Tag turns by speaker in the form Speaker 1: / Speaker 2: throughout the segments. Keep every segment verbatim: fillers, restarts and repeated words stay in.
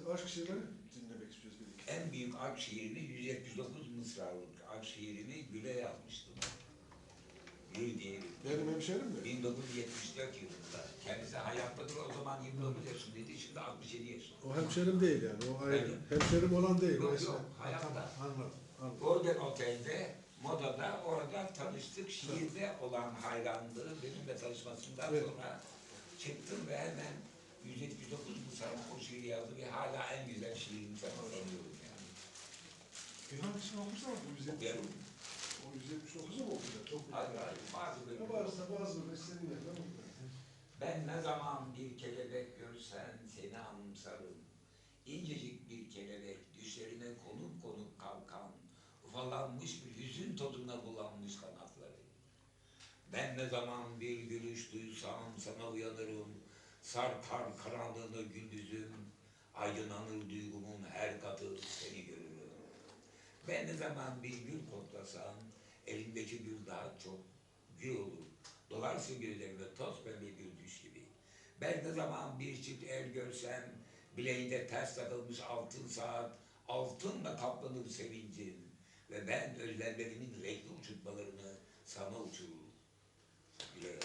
Speaker 1: aşk şiirleri dinlemek istiyoruz bir iki.
Speaker 2: En büyük aşk şiirini yüz yetmiş dokuz mısralık aşk şiirini Gül'e yazmıştım. Gül diye bir.
Speaker 1: Benim hemşerim mi?
Speaker 2: bin dokuz yüz yetmiş dört yılında. Kendisi hayattadır, o zaman yirmi dokuz yaşındaydı, şimdi altmış yedi yaşında.
Speaker 1: O hemşerim değil yani, o ayrı.
Speaker 2: Evet.
Speaker 1: Hemşerim olan değil.
Speaker 2: Yok,
Speaker 1: o
Speaker 2: yok, hayatta.
Speaker 1: Tamam, anladım, anladım.
Speaker 2: Golden Otel'de, Moda'da, orada tanıştık. Şiirde olan hayranlığı benimle tanışmasından
Speaker 1: Evet.
Speaker 2: sonra çıktım ve hemen yüz yetmiş dokuz mısralık o şiiri yazdı ve hala en güzel şiirini sanıyorum yani.
Speaker 1: Bir hangisini okursan o yüz yetmiş.
Speaker 2: Okuyalım.
Speaker 1: O yüz yetmiş dokuzu mu okuyacak? Çok
Speaker 2: Hayır, hayır, bazı
Speaker 1: Ne
Speaker 2: bölümler.
Speaker 1: varsa bazı bölümler senin yerine mi?
Speaker 2: Ben ne zaman bir kelebek görsen seni anımsarım. İncecik bir kelebek düşlerine konup konup kalkan, ufalanmış bir hüzün tadına bulanmış kanatları. Ben ne zaman bir gülüş duysam sana uyanırım. Sarkar karanlığını gündüzüm, aydınlanır duygumun her katı seni görürüm. Ben ne zaman bir gül koklasam, elimdeki gül daha çok gül olur. Dolarsın gözlerime toz pembe bir düş gibi. Ben ne zaman bir çift el görsem, bileğinde ters takılmış altın saat, altınla kaplanır sevincim. Ve ben özlemlerimin renkli uçurtmalarını sana uçururum. Güle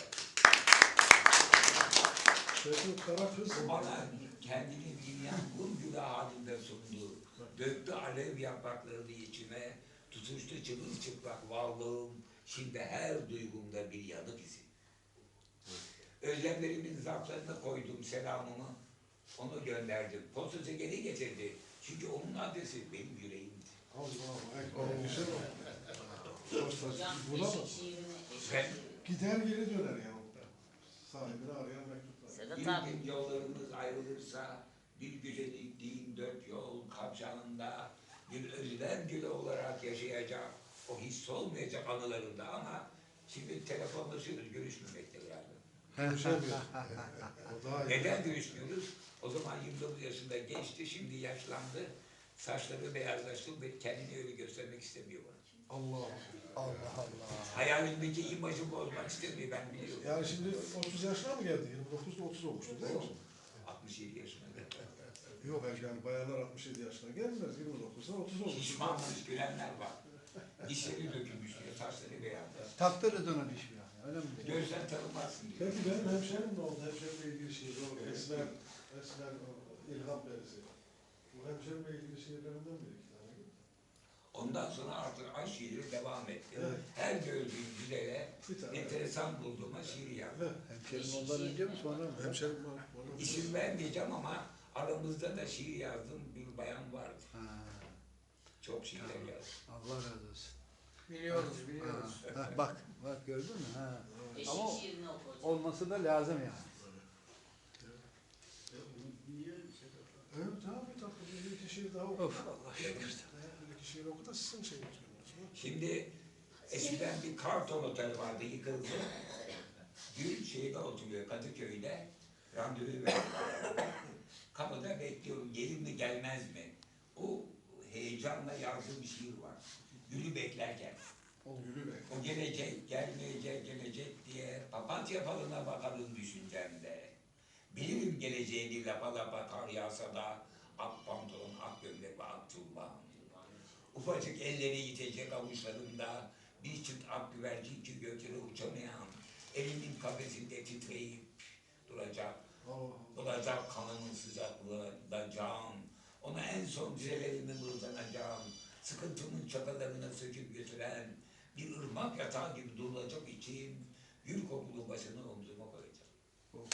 Speaker 1: Peki kara kız.
Speaker 2: bana kendini bilmeyen kum gülü halinde sundu. Döktü alev yapraklarını içime, tutuştu çırılçıplak varlığım, şimdi her duygumda bir yanık izi. Özlemlerimin zarflarına koydum selamımı, onu gönderdim. Postacı geri getirdi, çünkü onun adresi benim yüreğimdi.
Speaker 1: Allah'ım ekber. Güzel o. Postacı. Buna mı?
Speaker 2: Ben
Speaker 1: Gider geri döner ya. Sahibini arayan mektuplar.
Speaker 3: Sedat
Speaker 2: bir
Speaker 3: abi.
Speaker 2: gün yollarımız ayrılırsa, bir güzel diktiğim dört yol kavşağında bir özlem gülü olarak yaşayacak, o his olmayacak anılarında ama şimdi telefonlaşıyoruz, görüşmemekte yani.
Speaker 1: Görüşemiyor. O daha iyi.
Speaker 2: Neden görüşmüyoruz? O zaman yirmi dokuz yaşında geçti, şimdi yaşlandı, saçları beyazlaştı ve kendini öyle göstermek istemiyor bana.
Speaker 1: Allah.
Speaker 3: Allah Allah.
Speaker 2: Hayalindeki imajı bozmak istemiyor, ben biliyorum.
Speaker 1: Yani şimdi otuz yaşına mı geldi? yirmi dokuzda otuz olmuştu değil mi?
Speaker 2: altmış yedi yaşında.
Speaker 1: Yok yani bayanlar altmış yedi yaşına gelmez. yirmi dokuzda otuz olmuş.
Speaker 2: Şişmanmış görenler var. Dişleri dökülmüş diyor, saçları beyazlar.
Speaker 4: Taktırız ona diş bir yani, öyle mi?
Speaker 2: Gözden tanınmazsın diyor.
Speaker 1: Peki benim hemşerim ne oldu? Hemşerimle ilgili şiir o Esmer, Esmer o, İlham Perisi. Bu hemşerimle ilgili şiirlerinden biri iki tane.
Speaker 2: Ondan sonra artık aşk şiiri devam etti.
Speaker 1: Evet.
Speaker 2: Her gördüğüm güzele
Speaker 1: Bir tane.
Speaker 2: enteresan bulduğuma şiir yazdım.
Speaker 1: Evet.
Speaker 4: Hemşerim ondan önce mi sonra mı?
Speaker 1: Hemşerim var. Onun
Speaker 2: İsim vermeyeceğim ama aramızda da şiir yazdığım bir bayan vardı.
Speaker 4: Ha,
Speaker 2: Çok şiirler yazdı.
Speaker 4: Allah razı olsun.
Speaker 3: Biliyoruz, biliyoruz.
Speaker 4: Ha, ha, bak, bak gördün mü? Ha.
Speaker 3: Eşik
Speaker 4: Ama o-
Speaker 3: şiirini okuyacağım.
Speaker 4: Olması da lazım yani.
Speaker 1: Evet abi tabii bir iki şiir daha oku.
Speaker 4: Of Allah şükür.
Speaker 1: Bir iki şiir oku da sizin şeyiniz görüyorsunuz.
Speaker 2: Şimdi eskiden bir karton otel vardı, yıkıldı. Gül şeyde oturuyor, Kadıköy'de. Randevu verdi. Kapıda bekliyorum, gelir mi gelmez mi? O heyecanla yazdığım şiir var. Gül'ü beklerken.
Speaker 1: Yürü be.
Speaker 2: O gelecek, gelmeyecek, gelecek diye papatya falına bakarım düşüncemde. Bilirim geleceğini lapa lapa kar yağsa da ak pantolon, ak gömlek ve ak tulban. Ufacık elleri yitecek avuçlarımda bir çıt ak güvercin ki göklere uçamayan, elimin kafesinde titreyip duracak.
Speaker 1: Allah.
Speaker 2: Olacak kanımın sıcaklığında can, ona en son dizelerimi mırdanacağım, sıkıntımın çakalarına söküp götüren bir ırmak yatağı gibi durulacak için gül kokulu başını omzuma koyacağım.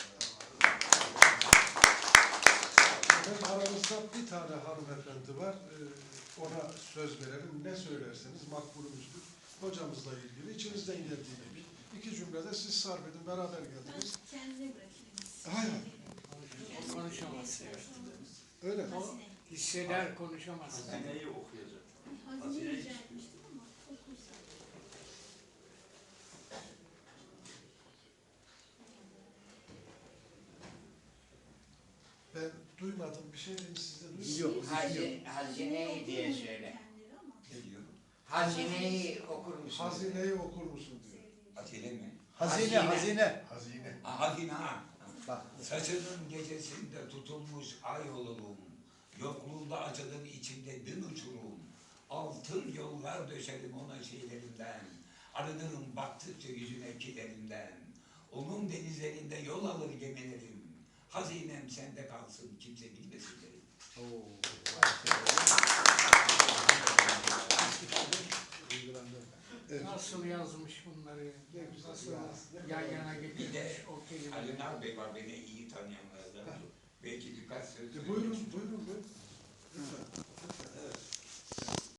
Speaker 1: Efendim aramızda bir tane hanımefendi var. Ee, ona söz verelim. Ne söylerseniz makbulümüzdür. Hocamızla ilgili içinizden geldiği gibi. İki cümlede siz sarf edin. Beraber geldiniz.
Speaker 5: Kendine bırakayım.
Speaker 1: Hayır.
Speaker 6: Konuşamaz.
Speaker 1: Öyle mi?
Speaker 5: Hazine.
Speaker 6: Hisseder konuşamaz.
Speaker 7: Hazineyi okuyacak.
Speaker 5: Hazine rica etmiştim ama okursa.
Speaker 1: Ben duymadım. Bir şey dedim siz de duymadınız.
Speaker 4: Yok.
Speaker 3: Hazine, hazineyi diye söyle.
Speaker 5: Kendileri ama.
Speaker 2: Ne diyor?
Speaker 3: Hazineyi okur musun?
Speaker 1: Hazineyi okur musun diyor.
Speaker 2: Acele mi?
Speaker 4: Hazine, hazine.
Speaker 1: Hazine.
Speaker 2: Ha, hazine ha.
Speaker 4: Bak.
Speaker 2: Saçının gecesinde tutulmuş ay olurum. Yokluğunda açılır içimde bin uçurum. Altın yollar döşerim ona şeylerinden. Arınırım baktıkça yüzüne kilerinden. Onun denizlerinde yol alır gemilerim. Hazinem sende kalsın kimse bilmesin derim.
Speaker 1: Evet.
Speaker 6: Nasıl yazmış bunları?
Speaker 1: Ne güzel
Speaker 6: Nasıl
Speaker 1: ya, ne
Speaker 6: yan
Speaker 1: kadar-
Speaker 6: yana
Speaker 2: Bir de
Speaker 6: getirmiş o kelimeleri?
Speaker 2: Ali Bey var beni iyi tanıyanlardan. Belki birkaç söz
Speaker 1: E,
Speaker 2: söyleyeyim.
Speaker 1: buyurun, buyurun, buyurun. Lütfen, lütfen, evet.